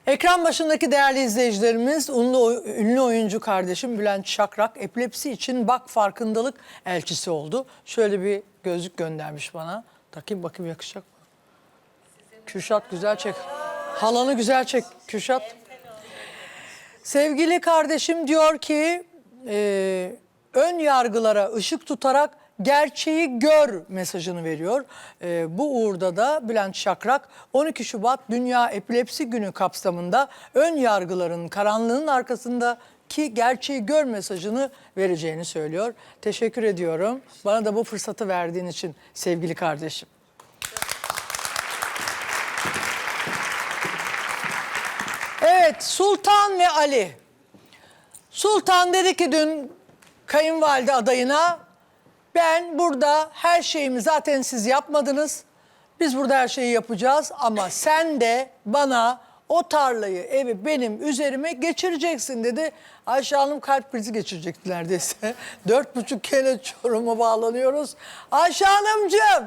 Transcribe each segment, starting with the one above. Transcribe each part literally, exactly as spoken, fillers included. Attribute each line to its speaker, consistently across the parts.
Speaker 1: Ekran başındaki değerli izleyicilerimiz, ünlü, ünlü oyuncu kardeşim Bülent Şakrak epilepsi için bak farkındalık elçisi oldu. Şöyle bir gözlük göndermiş bana. Takayım bakayım yakışacak mı? Kürşat güzel çek. Halanı güzel çek Kürşat. Sevgili kardeşim diyor ki e, ön yargılara ışık tutarak gerçeği gör mesajını veriyor. E, bu uğurda da Bülent Şakrak on iki Şubat Dünya Epilepsi Günü kapsamında ön yargıların karanlığın arkasındaki gerçeği gör mesajını vereceğini söylüyor. Teşekkür ediyorum. Bana da bu fırsatı verdiğin için sevgili kardeşim. Evet, Sultan ve Ali. Sultan dedi ki dün kayınvalide adayına, ben burada her şeyimi zaten siz yapmadınız. Biz burada her şeyi yapacağız ama sen de bana o tarlayı, evi benim üzerime geçireceksin dedi. Ayşe Hanım kalp krizi geçirecekti neredeyse. Dört buçuk kere Çorum'a bağlanıyoruz. Ayşe Hanımcığım.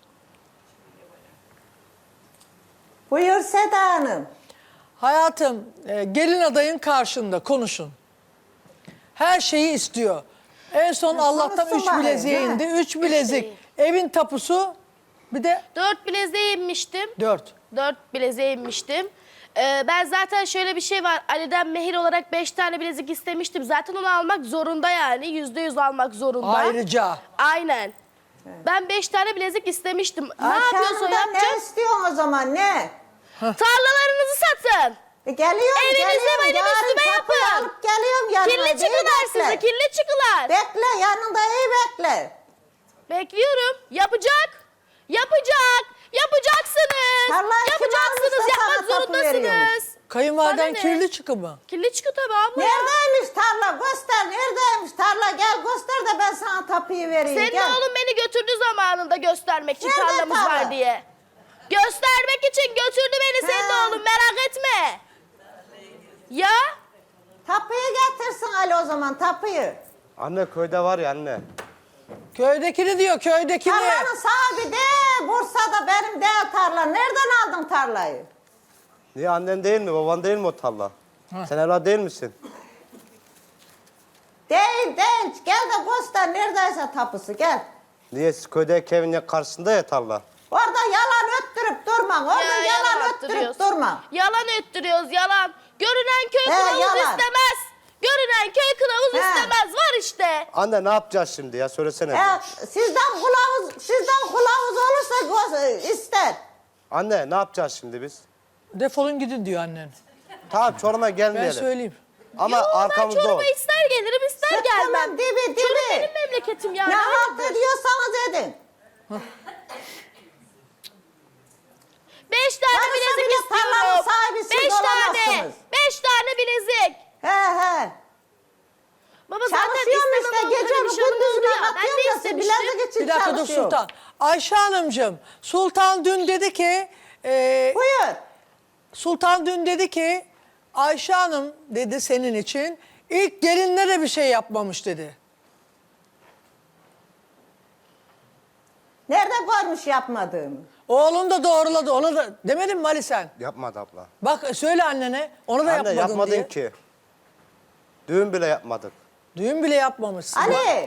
Speaker 2: Buyur Seda Hanım.
Speaker 1: Hayatım, e, gelin adayın karşında konuşun. Her şeyi istiyor. En son
Speaker 2: Ya
Speaker 1: Allah'tan üç
Speaker 2: konuşsun
Speaker 1: bileziğe
Speaker 2: bari,
Speaker 1: indi.
Speaker 2: değil mi?
Speaker 1: Üç bilezik.
Speaker 3: değil.
Speaker 1: Evin tapusu bir de
Speaker 3: Dört bileziğe inmiştim.
Speaker 1: dört.
Speaker 3: Dört bileziğe inmiştim. Ee, ben zaten şöyle bir şey var. Ali'den mehir olarak beş tane bilezik istemiştim. Zaten onu almak zorunda yani. Yüzde yüz almak zorunda.
Speaker 1: Ayrıca.
Speaker 3: Aynen. Ben beş tane bilezik istemiştim. Ne
Speaker 2: Ayşe
Speaker 3: yapıyorsa
Speaker 2: Hanım'dan ne
Speaker 3: yapacak.
Speaker 2: istiyorsun o zaman ne?
Speaker 3: Tarlalarınızı satın.
Speaker 2: E geliyorum
Speaker 3: Evinize
Speaker 2: geliyorum.
Speaker 3: benim
Speaker 2: Yarın
Speaker 3: üstüme
Speaker 2: kapıyı
Speaker 3: yapın.
Speaker 2: alıp geliyorum yanına.
Speaker 3: Kirli
Speaker 2: İyi
Speaker 3: çıkılar
Speaker 2: bekle.
Speaker 3: sizi, kirli çıkılar.
Speaker 2: Bekle yanında iyi bekle.
Speaker 3: Bekliyorum. Yapacak. Yapacak. Yapacaksınız.
Speaker 2: Tarlayı kim
Speaker 3: Yapacaksınız.
Speaker 2: almışsa
Speaker 3: Yapmak
Speaker 2: sana tapu veriyormuş.
Speaker 3: zorundasınız.
Speaker 1: Kayınvaliden
Speaker 3: Bana ne?
Speaker 1: kirli çıkı mı?
Speaker 3: Kirli çıkı tabii abla.
Speaker 2: Neredeymiş tarla göster neredeymiş tarla gel göster de ben sana tapuyu vereyim.
Speaker 3: Senin
Speaker 2: gel.
Speaker 3: oğlun beni götürdü zamanında göstermek için
Speaker 2: Nerede
Speaker 3: tarlamız
Speaker 2: tarla?
Speaker 3: var diye. Göstermek için götürdü beni senin
Speaker 2: He.
Speaker 3: oğlun, merak etme. Ya?
Speaker 2: Tapuyu getirsin Ali o zaman tapuyu.
Speaker 4: Anne köyde var ya anne.
Speaker 1: Köydekini diyor, köydekini.
Speaker 2: Tarlanın sahibi de Bursa'da benim de tarla. Nereden aldın tarlayı?
Speaker 4: Niye annen değil mi baban değil mi o tarla? Sen evlat değil misin?
Speaker 2: Değil değil gel de göster neredeyse tapusu gel.
Speaker 4: Niye siz köydeki evin ya- karşısında ya tarla?
Speaker 2: Orada yalan öttürüp durma. Orada
Speaker 3: Ya,
Speaker 2: yalan öttürüp
Speaker 3: attırıyoruz.
Speaker 2: durma.
Speaker 3: Yalan öttürüyoruz, yalan. Görünen köy
Speaker 2: He,
Speaker 3: kılavuz
Speaker 2: yalan.
Speaker 3: istemez. Görünen köy kılavuz
Speaker 2: He.
Speaker 3: istemez, var işte.
Speaker 4: Anne ne yapacağız şimdi ya söylesene.
Speaker 2: E, sizden kılavuz, sizden kılavuz olursa gö- ister.
Speaker 4: Anne ne yapacağız şimdi biz?
Speaker 1: Defolun gidin diyor annen.
Speaker 4: Tamam Çorum'a
Speaker 1: Ben
Speaker 4: gelmeyelim.
Speaker 1: söyleyeyim.
Speaker 4: Ama
Speaker 3: Yo, ben
Speaker 4: arkamızda ol.
Speaker 3: Çorum'a ister gelirim, ister
Speaker 2: Sıkkının
Speaker 3: gelmem.
Speaker 2: dibi dibi.
Speaker 3: Çorum benim memleketim yani.
Speaker 2: Ne halt
Speaker 3: hayırdır?
Speaker 2: ediyorsanız edin.
Speaker 3: Beş tane
Speaker 2: Varsa
Speaker 3: bilezik
Speaker 2: bile tarlanın
Speaker 3: istiyorum.
Speaker 2: sahibi siz
Speaker 3: Beş tane.
Speaker 2: olamazsınız.
Speaker 3: Beş tane bilezik.
Speaker 2: He he.
Speaker 3: Baba zaten
Speaker 2: Çalışıyorum işte
Speaker 3: istemem
Speaker 2: gece
Speaker 3: onları, bir şey
Speaker 2: gündüz
Speaker 3: olmazdı ya. Ben
Speaker 2: kapatıyorum
Speaker 3: de
Speaker 2: da siz
Speaker 3: istemiştim.
Speaker 2: bilezik için
Speaker 1: Bir dakika dur
Speaker 2: çalışıyorum.
Speaker 1: Sultan. Ayşe Hanımcığım, Sultan dün dedi ki... e,
Speaker 2: Buyur.
Speaker 1: Sultan dün dedi ki Ayşe Hanım dedi senin için ilk gelinlere bir şey yapmamış dedi.
Speaker 2: Nerede görmüş yapmadığımı?
Speaker 1: Oğlun da doğruladı. Ona da demedin mi Ali sen?
Speaker 4: Yapmadı abla.
Speaker 1: Bak söyle annene. Ona da
Speaker 4: Anne
Speaker 1: yapmadın
Speaker 4: yapmadın
Speaker 1: diye.
Speaker 4: ki. Düğün bile yapmadık.
Speaker 1: Düğün bile yapmamışsın.
Speaker 2: Ali.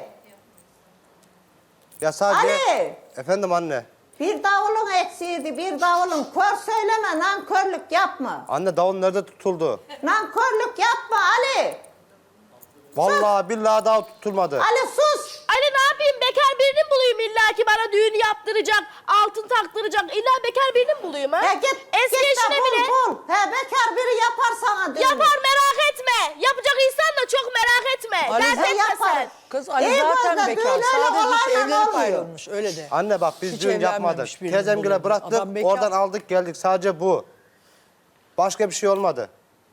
Speaker 4: Ya sadece...
Speaker 2: Ali.
Speaker 4: Efendim anne.
Speaker 2: Bir davulun eksiydi, bir davulun. Kör söyleme, nankörlük yapma.
Speaker 4: Anne davul nerede tutuldu?
Speaker 2: Nankörlük yapma Ali.
Speaker 4: Vallahi billahi daha tutulmadı.
Speaker 2: Ali sus.
Speaker 3: Ali ne yapayım, bekar birini mi bulayım illa ki bana düğün yaptıracak, altın taktıracak. İlla bekar birini mi bulayım ha?
Speaker 2: He git,
Speaker 3: Eski
Speaker 2: git de
Speaker 3: eşine
Speaker 2: bul,
Speaker 3: bile.
Speaker 2: bul. He bekar biri yapar sana düğünü.
Speaker 3: Yapar, merak etme. Yapacak insan da çok merak etme.
Speaker 1: Ali
Speaker 3: Dert
Speaker 1: zaten
Speaker 3: etme
Speaker 2: yapar.
Speaker 3: sen.
Speaker 1: Kız Ali
Speaker 2: İyi
Speaker 1: zaten
Speaker 2: bozda,
Speaker 1: bekar.
Speaker 2: düğün öyle
Speaker 1: Sadece hiç
Speaker 2: olayla
Speaker 1: evlenip
Speaker 2: olmuyor.
Speaker 1: ayrılmış. Öyle de.
Speaker 4: Anne bak biz
Speaker 1: Hiç
Speaker 4: düğün yapmadık.
Speaker 1: evlenmemiş birini
Speaker 4: Teyzemgile
Speaker 1: buluyorum.
Speaker 4: bıraktık,
Speaker 1: Adam bekar.
Speaker 4: oradan aldık geldik. Sadece bu. Başka bir şey olmadı.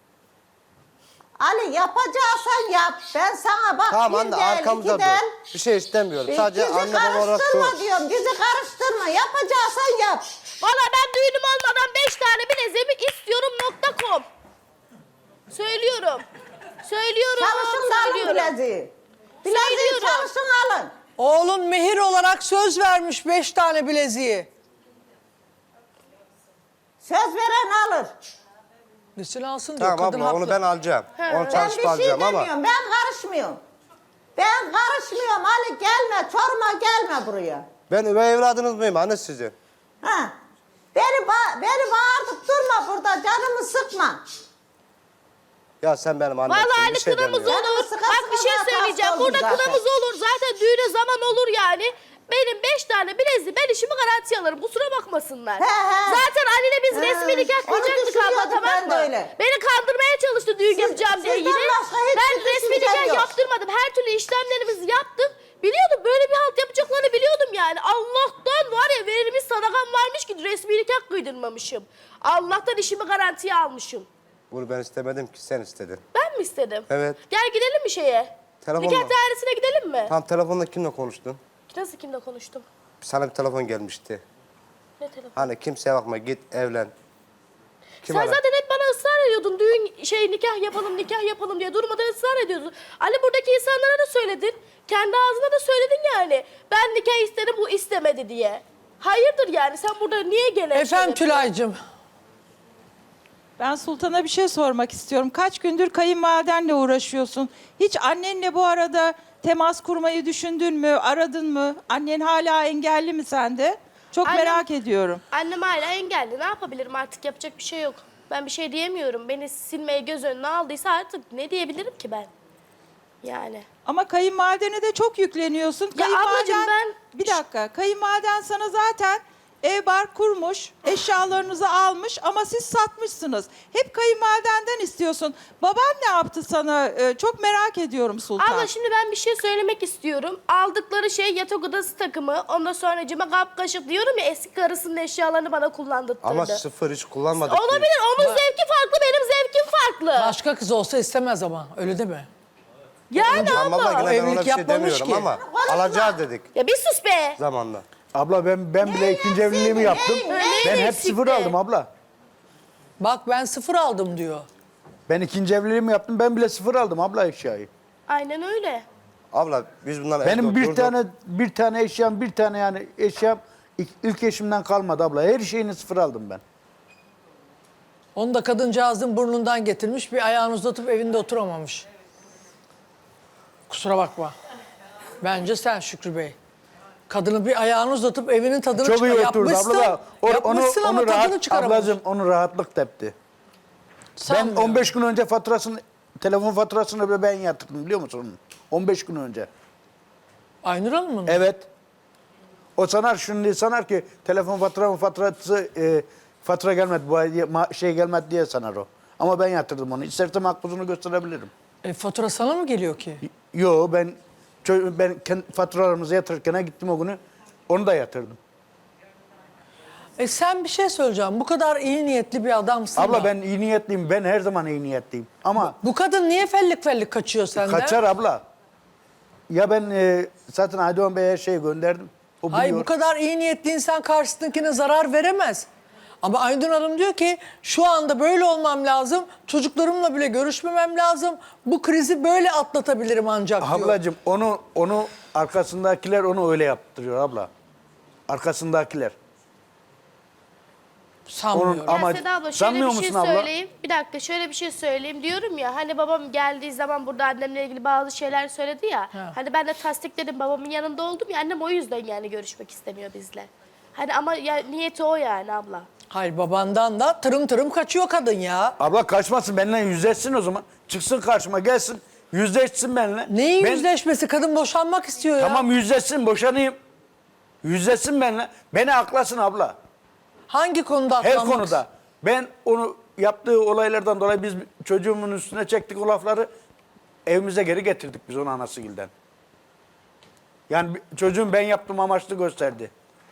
Speaker 2: Ali yapacaksan yap. Ben sana bak
Speaker 4: Tamam
Speaker 2: bir
Speaker 4: anne
Speaker 2: del,
Speaker 4: arkamızda
Speaker 2: iki del.
Speaker 4: dur. Bir şey istemiyorum.
Speaker 2: Bir-
Speaker 4: Sadece
Speaker 2: bizi
Speaker 4: anne baba olarak
Speaker 2: karıştırma
Speaker 4: dur.
Speaker 2: diyorum. Bizi karıştırma. Yapacaksan yap.
Speaker 3: Valla ben düğünüm olmadan beş tane bileziğimi istiyorum nokta com. Söylüyorum. Söylüyorum.
Speaker 2: Çalışın da alın
Speaker 3: söylüyorum.
Speaker 2: bileziği. Bileziği
Speaker 3: Söylüyorum.
Speaker 2: çalışın alın.
Speaker 1: Oğlun mehir olarak söz vermiş beş tane bileziği.
Speaker 2: Söz veren alır.
Speaker 1: Gitsin alsın diyor.
Speaker 4: Tamam
Speaker 1: Kadın
Speaker 4: abla onu
Speaker 1: haklı.
Speaker 4: ben alacağım. Onu
Speaker 2: Ben
Speaker 4: çalışıp
Speaker 2: bir şey
Speaker 4: alacağım ama.
Speaker 2: demiyorum. Ben karışmıyorum. Ben karışmıyorum. Ali gelme. Çoruma gelme buraya.
Speaker 4: Ben üvey evladınız mıyım anne sizin?
Speaker 2: Ha. Beni, ba beni bağırtıp durma burada. Canımı sıkma.
Speaker 4: Ya sen benim annemsin.
Speaker 3: Vallahi
Speaker 4: bir
Speaker 3: hani
Speaker 4: şey
Speaker 3: kınamız
Speaker 4: demiyorum.
Speaker 3: olur.
Speaker 2: Sıkı
Speaker 3: Bak
Speaker 2: sıkı
Speaker 3: bir şey
Speaker 2: zaten
Speaker 3: söyleyeceğim.
Speaker 2: hasta
Speaker 3: Burada
Speaker 2: oldum zaten.
Speaker 3: kınamız olur. Zaten düğüne zaman olur yani. Benim beş tane bileziği ben işimi garantiye alırım. Kusura bakmasınlar.
Speaker 2: He, he.
Speaker 3: Zaten Ali'yle biz
Speaker 2: He,
Speaker 3: resmi nikah
Speaker 2: onu
Speaker 3: kıyacaktık abla,
Speaker 2: düşünüyordum
Speaker 3: tamam
Speaker 2: ben de
Speaker 3: mı?
Speaker 2: öyle.
Speaker 3: Beni kandırmaya çalıştı düğün
Speaker 2: Siz-
Speaker 3: yapacağım diye
Speaker 2: sizden
Speaker 3: yine.
Speaker 2: başka hiçbir
Speaker 3: Ben resmi
Speaker 2: düşüncem
Speaker 3: nikah
Speaker 2: yok.
Speaker 3: yaptırmadım. Her türlü işlemlerimizi yaptık. Biliyordum böyle bir halt yapacaklarını biliyordum yani. Allah'tan var ya verilmiş sadakam varmış ki resmi nikah kıydırmamışım. Allah'tan işimi garantiye almışım.
Speaker 4: Bunu ben istemedim ki sen istedin.
Speaker 3: Ben mi istedim?
Speaker 4: Evet.
Speaker 3: Gel gidelim mi şeye?
Speaker 4: Telefonla.
Speaker 3: Nikah dairesine gidelim mi?
Speaker 4: Tam telefonda kimle konuştun?
Speaker 3: Nasıl kimle konuştum?
Speaker 4: Sana bir telefon gelmişti.
Speaker 3: Ne telefon?
Speaker 4: Hani kimseye bakma git evlen. Kim
Speaker 3: Sen
Speaker 4: ara-
Speaker 3: zaten hep bana ısrar ediyordun. Düğün şey nikah yapalım nikah yapalım diye durmadan ısrar ediyordun. Ali buradaki insanlara da söyledin. Kendi ağzına da söyledin yani. Ben nikah istedim bu istemedi diye. Hayırdır yani sen burada niye gene...
Speaker 1: Efendim Tülay'cığım.
Speaker 5: Ben Sultan'a bir şey sormak istiyorum. Kaç gündür kayınvalidenle uğraşıyorsun? Hiç annenle bu arada temas kurmayı düşündün mü? Aradın mı? Annen hala engelli mi sende? Çok
Speaker 3: Annem-
Speaker 5: merak ediyorum.
Speaker 3: Annem hala engelli. Ne yapabilirim artık yapacak bir şey yok. Ben bir şey diyemiyorum. Beni silmeye göz önüne aldıysa artık ne diyebilirim ki ben? Yani.
Speaker 5: Ama kayınvalidene de çok yükleniyorsun.
Speaker 3: Ya ablacığım ben-
Speaker 5: Bir dakika. Kayınvaliden sana zaten ev bar kurmuş, eşyalarınızı almış ama siz satmışsınız. Hep kayınvalidenden istiyorsun. Baban ne yaptı sana? Ee, çok merak ediyorum Sultan.
Speaker 3: Abla şimdi ben bir şey söylemek istiyorum. Aldıkları şey yatak odası takımı. Ondan sonra cima kap kaşık diyorum ya eski karısının eşyalarını bana kullandırttırdı.
Speaker 4: Ama sıfır hiç kullanmadık. ki.
Speaker 3: Olabilir. Onun zevki farklı, benim zevkim farklı.
Speaker 1: Başka kız olsa istemez ama. Öyle değil mi?
Speaker 3: Yani
Speaker 4: Ama abla
Speaker 3: ama.
Speaker 4: yine ben
Speaker 1: evlilik
Speaker 4: ona bir şey
Speaker 1: yapmamış
Speaker 4: demiyorum
Speaker 1: ki.
Speaker 4: ama alacağız dedik
Speaker 3: Ya bir sus be.
Speaker 4: zamanla.
Speaker 6: Abla ben ben bile ikinci evliliğimi yaptım.
Speaker 2: neyin-
Speaker 3: neyin
Speaker 6: Ben hep
Speaker 3: eksikti?
Speaker 6: sıfır aldım abla.
Speaker 1: Bak ben sıfır aldım diyor.
Speaker 6: Ben ikinci evliliğimi yaptım. Ben bile sıfır aldım abla eşyayı.
Speaker 3: Aynen öyle.
Speaker 4: Abla biz bunlarla
Speaker 6: Benim
Speaker 4: evde
Speaker 6: bir
Speaker 4: oturduk.
Speaker 6: tane bir tane eşyam, bir tane yani eşyam ilk, ilk eşimden kalmadı abla. Her şeyini sıfır aldım ben.
Speaker 1: Onu da kadıncağızın burnundan getirmiş. Bir ayağını uzatıp evinde oturamamış. Kusura bakma. Bence sen Şükrü Bey. Kadını bir ayağını uzatıp evinin tadını
Speaker 6: Çok
Speaker 1: çıkar.
Speaker 6: iyi oturdu
Speaker 1: Yapmışsın,
Speaker 6: abla da. O- onu
Speaker 1: yapmışsın ama
Speaker 6: onu
Speaker 1: tadını
Speaker 6: rahat,
Speaker 1: çıkaramamış.
Speaker 6: ablacığım onu rahatlık tepti. Ben
Speaker 1: Sanmıyorum.
Speaker 6: on beş gün önce faturasını, telefon faturasını bile ben yatırdım biliyor musun? onun? on beş gün önce.
Speaker 1: Aynur Hanım mı?
Speaker 6: Evet. O sanar şunu diye sanar ki telefon faturamın faturası e, fatura gelmedi bu ay diye, ma- şey gelmedi diye sanar o. Ama ben yatırdım onu. İstersem makbuzunu gösterebilirim.
Speaker 1: E, fatura sana mı geliyor ki?
Speaker 6: Yo ben çö- ben kendi faturalarımızı yatırırken gittim o günü onu da yatırdım.
Speaker 1: E sen bir şey söyleyeceğim. Bu kadar iyi niyetli bir adamsın
Speaker 6: Abla
Speaker 1: da.
Speaker 6: ben iyi niyetliyim. Ben her zaman iyi niyetliyim. Ama
Speaker 1: Bu kadın niye fellik fellik kaçıyor senden?
Speaker 6: kaçar abla. Ya ben e, zaten Aydoğan Bey'e her şeyi gönderdim. O biliyor.
Speaker 1: Hayır bu kadar iyi niyetli insan karşısındakine zarar veremez. Ama Aydın Hanım diyor ki şu anda böyle olmam lazım. Çocuklarımla bile görüşmemem lazım. Bu krizi böyle atlatabilirim ancak diyor.
Speaker 6: Ablacığım onu onu arkasındakiler onu öyle yaptırıyor abla. Arkasındakiler.
Speaker 1: Sanmıyorum.
Speaker 6: Onun-
Speaker 3: Ya
Speaker 6: Ama
Speaker 3: Seda abla şöyle
Speaker 6: sanmıyor
Speaker 3: bir şey
Speaker 6: musun abla?
Speaker 3: söyleyeyim. Bir dakika şöyle bir şey söyleyeyim diyorum ya. Hani babam geldiği zaman burada annemle ilgili bazı şeyler söyledi ya. Hani ben de tasdikledim babamın yanında oldum ya. Annem o yüzden yani görüşmek istemiyor bizle. Hani ama ya, niyeti o yani abla.
Speaker 1: Hayır babandan da tırım tırım kaçıyor kadın ya.
Speaker 6: Abla kaçmasın benimle yüzleşsin o zaman. Çıksın karşıma gelsin. Yüzleşsin benimle.
Speaker 1: Neyin
Speaker 6: Ben-
Speaker 1: yüzleşmesi? Kadın boşanmak istiyor ya.
Speaker 6: Tamam yüzleşsin boşanayım. Yüzleşsin benimle. Beni aklasın abla.
Speaker 1: Hangi konuda
Speaker 6: Her
Speaker 1: atlanmak
Speaker 6: konuda. Ben onu yaptığı olaylardan dolayı biz çocuğumun üstüne çektik o lafları. Evimize geri getirdik biz onu anasıgilden. Yani bir- çocuğum ben yaptım amaçlı gösterdi.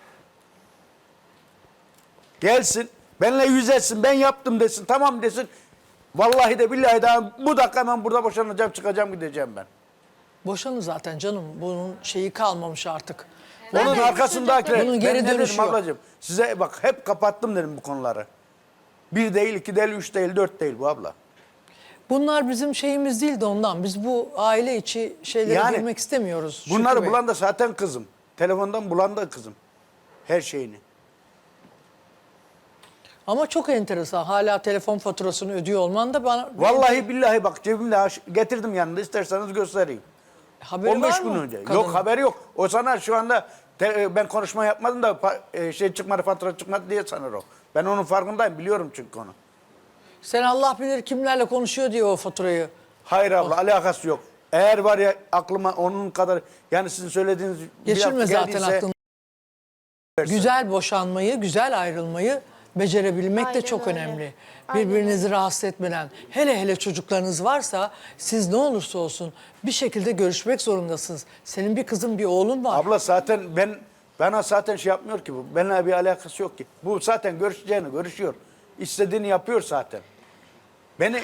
Speaker 6: Gelsin. Benimle yüzleşsin. Ben yaptım desin. Tamam desin. Vallahi de billahi de bu dakika hemen burada boşanacağım çıkacağım gideceğim ben.
Speaker 1: Boşanın zaten canım. Bunun şeyi kalmamış artık.
Speaker 6: Onun arkasındakiler.
Speaker 1: Bunun geri
Speaker 6: ben ne
Speaker 1: dönüşü
Speaker 6: dedim
Speaker 1: yok.
Speaker 6: ablacığım? Size bak hep kapattım dedim bu konuları. Bir değil, iki değil, üç değil, dört değil bu abla.
Speaker 1: Bunlar bizim şeyimiz değil de ondan. Biz bu aile içi şeylere
Speaker 6: Yani
Speaker 1: girmek istemiyoruz. Şükrü
Speaker 6: Bunları
Speaker 1: Bey.
Speaker 6: bulan da zaten kızım. Telefondan bulan da kızım. Her şeyini.
Speaker 1: Ama çok enteresan. Hala telefon faturasını ödüyor olman da bana...
Speaker 6: Vallahi billahi bak cebimde aş- getirdim yanında, isterseniz göstereyim.
Speaker 1: Haberi
Speaker 6: on beş
Speaker 1: var
Speaker 6: gün
Speaker 1: mı
Speaker 6: önce.
Speaker 1: kadının?
Speaker 6: Yok, haberi yok. O sana şu anda te- ben konuşma yapmadım da pa- e, şey çıkmadı, fatura çıkmadı diye sanır o. Ben onun farkındayım, biliyorum çünkü onu.
Speaker 1: Sen Allah bilir kimlerle konuşuyor diye o faturayı.
Speaker 6: Hayır abla, alakası yok. Eğer var ya aklıma onun kadar, yani sizin söylediğiniz bir
Speaker 1: Geçirme
Speaker 6: hafta
Speaker 1: zaten
Speaker 6: geldiyse-
Speaker 1: aklını. Güzel boşanmayı, güzel ayrılmayı becerebilmek de
Speaker 3: Aynen
Speaker 1: çok
Speaker 3: öyle.
Speaker 1: önemli.
Speaker 3: Aynen
Speaker 1: Birbirinizi rahatsız etmeden. Hele hele çocuklarınız varsa siz ne olursa olsun bir şekilde görüşmek zorundasınız. Senin bir kızın, bir oğlun var.
Speaker 6: Abla zaten ben bana zaten şey yapmıyor ki bu. Benimle bir alakası yok ki. Bu zaten görüşeceğini görüşüyor. İstediğini yapıyor zaten. Beni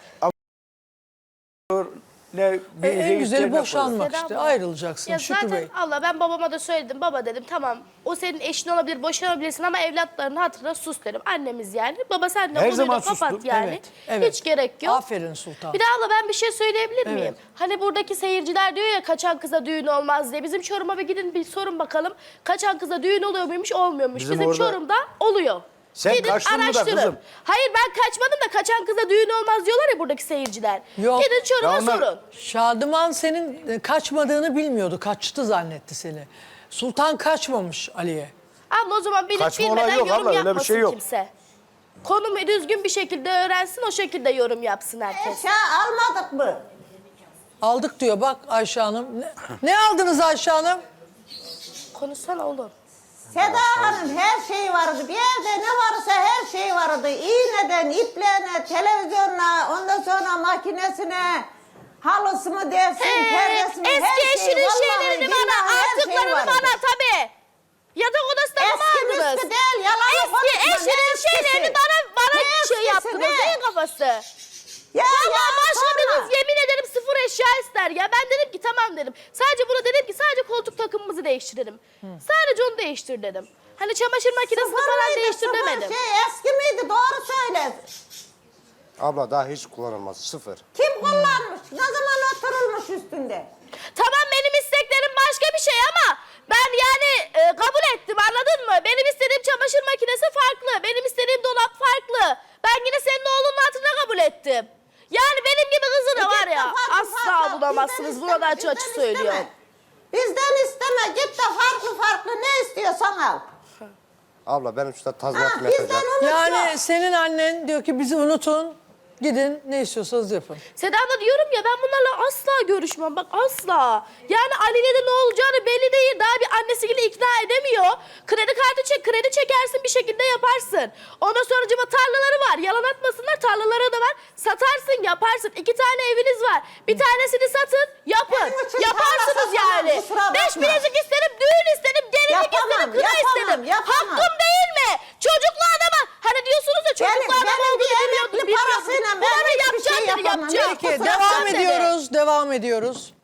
Speaker 6: ne bir
Speaker 1: E, en
Speaker 6: şey
Speaker 1: güzeli
Speaker 6: isteğine
Speaker 1: boşanmak
Speaker 3: Seda
Speaker 1: işte.
Speaker 3: abla.
Speaker 1: Ayrılacaksın
Speaker 3: Ya
Speaker 1: Şükrü
Speaker 3: zaten
Speaker 1: Bey.
Speaker 3: Allah, ben babama da söyledim. Baba dedim, tamam o senin eşin olabilir, boşanabilirsin ama evlatlarının hatırına sus dedim. Annemiz yani. Baba sen de
Speaker 6: Her
Speaker 3: konuyu da
Speaker 6: zaman
Speaker 3: kapat
Speaker 6: sustum.
Speaker 3: yani.
Speaker 1: Evet, evet.
Speaker 3: Hiç gerek yok.
Speaker 1: Aferin Sultan.
Speaker 3: Bir de abla ben bir şey söyleyebilir miyim?
Speaker 1: Evet.
Speaker 3: Hani buradaki seyirciler diyor ya kaçan kıza düğün olmaz diye. Bizim Çorum'a bir gidin bir sorun bakalım. Kaçan kıza düğün oluyor muymuş, olmuyormuş.
Speaker 6: Bizim
Speaker 3: Bizim,
Speaker 6: orada-
Speaker 3: Çorum'da oluyor.
Speaker 6: Sen
Speaker 3: Gidin
Speaker 6: kaçtın mı da
Speaker 3: araştırın.
Speaker 6: kızım?
Speaker 3: Hayır ben kaçmadım da kaçan kıza düğün olmaz diyorlar ya buradaki seyirciler.
Speaker 1: Yok.
Speaker 3: Gidin Çorum'a
Speaker 6: Ya onlar-
Speaker 3: sorun.
Speaker 1: Şadıman senin e, kaçmadığını bilmiyordu. Kaçtı zannetti seni. Sultan kaçmamış Ali'ye.
Speaker 3: Ama o zaman bilip
Speaker 6: Kaçma
Speaker 3: bilmeden
Speaker 6: olayı yok
Speaker 3: yorum
Speaker 6: abla, öyle bir
Speaker 3: yapmasın
Speaker 6: şey yok.
Speaker 3: kimse. Konumu düzgün bir şekilde öğrensin, o şekilde yorum yapsın herkes.
Speaker 2: Eşya almadık mı?
Speaker 1: Aldık diyor bak Ayşe Hanım. Ne, ne aldınız Ayşe Hanım?
Speaker 3: Konuşsana oğlum.
Speaker 2: Seda Hanım her şey vardı. Bir evde ne varsa her şey vardı. İğneden, ipliğine, televizyonuna, ondan sonra makinesine, halısı mı dersin, perdesi mi,
Speaker 3: Eski
Speaker 2: her şey.
Speaker 3: eşinin
Speaker 2: Vallahi
Speaker 3: şeylerini bana,
Speaker 2: billahi her şey
Speaker 3: artıklarını
Speaker 2: vardı.
Speaker 3: bana tabii. Yatak odasında mı
Speaker 2: Eski
Speaker 3: aldınız?
Speaker 2: müskü değil, yalan
Speaker 3: Eski
Speaker 2: konuşma, ne
Speaker 3: eşinin
Speaker 2: eskisi?
Speaker 3: şeylerini bana, bana
Speaker 2: Ne
Speaker 3: şey
Speaker 2: eskisi,
Speaker 3: yaptınız
Speaker 2: ne?
Speaker 3: değil kafası.
Speaker 2: Ya,
Speaker 3: Valla
Speaker 2: ya,
Speaker 3: başka
Speaker 2: sonra.
Speaker 3: bir kız yemin ederim sıfır eşya ister ya. Ben dedim ki tamam dedim. Sadece bunu dedim ki sadece koltuk takımımızı değiştirelim. Sadece onu değiştir dedim. Hani çamaşır makinesini
Speaker 2: Sıfır
Speaker 3: falan
Speaker 2: mıydı,
Speaker 3: değiştir
Speaker 2: sıfır
Speaker 3: demedim.
Speaker 2: Şey, eski miydi? Doğru söyle.
Speaker 4: Abla daha hiç kullanılmaz. Sıfır.
Speaker 2: Kim kullanmış? Ne zaman oturulmuş üstünde?
Speaker 3: Tamam benim isteklerim başka bir şey ama ben yani e, kabul ettim, anladın mı? Benim istediğim çamaşır makinesi farklı. Benim istediğim dolap farklı. Ben yine senin oğlunun hatırına kabul ettim. Yani benim gibi kızı da var ya
Speaker 2: Farklı,
Speaker 3: asla
Speaker 2: farklı.
Speaker 3: bulamazsınız.
Speaker 2: Bizden
Speaker 3: Buna da
Speaker 2: isteme,
Speaker 3: açık açık
Speaker 2: bizden
Speaker 3: söylüyorum.
Speaker 2: isteme. Bizden isteme. Git de farklı farklı ne istiyorsan al.
Speaker 4: Abla benim şu
Speaker 2: Ha,
Speaker 4: tazminatımı
Speaker 2: bizden
Speaker 4: yapacağım.
Speaker 2: unut
Speaker 1: Yani
Speaker 2: yok.
Speaker 1: senin annen diyor ki bizi unutun. Gidin ne istiyorsanız yapın.
Speaker 3: Seda da diyorum ya ben bunlarla asla görüşmem. Bak asla. Yani Ali'ne de ne olacağını belli değil. Daha bir annesiyle ikna edemiyor. Kredi kartı çek, kredi çekersin bir şekilde yaparsın. Ondan sonra cıma tarlaları var. Yalan atmasınlar, tarlaları da var. Satarsın, yaparsın. İki tane eviniz var. Bir tanesini satın, yapın.
Speaker 2: Benim için
Speaker 3: Yaparsınız
Speaker 2: tarla satamam,
Speaker 3: yani.
Speaker 2: kusura
Speaker 3: Beş
Speaker 2: bakma.
Speaker 3: bilezik isterim, düğün isterim, gelinlik
Speaker 2: Yapamam,
Speaker 3: isterim, kına
Speaker 2: yapamam,
Speaker 3: isterim.
Speaker 2: yapamam.
Speaker 3: Hakkım değil mi? Çocuklu adama, hani diyorsunuz ya çocuklu
Speaker 2: Benim-
Speaker 3: adam
Speaker 2: benim bir
Speaker 3: olduğunu
Speaker 2: emekli
Speaker 3: bilmiyordum.
Speaker 2: parasıyla ben
Speaker 3: Bunları
Speaker 2: hiçbir
Speaker 3: yapacağım
Speaker 2: şey
Speaker 3: dedi,
Speaker 2: yapamam.
Speaker 3: yapacağım.
Speaker 1: Peki
Speaker 2: Kusura
Speaker 1: devam
Speaker 2: bakma.
Speaker 1: ediyoruz. Devam ediyoruz.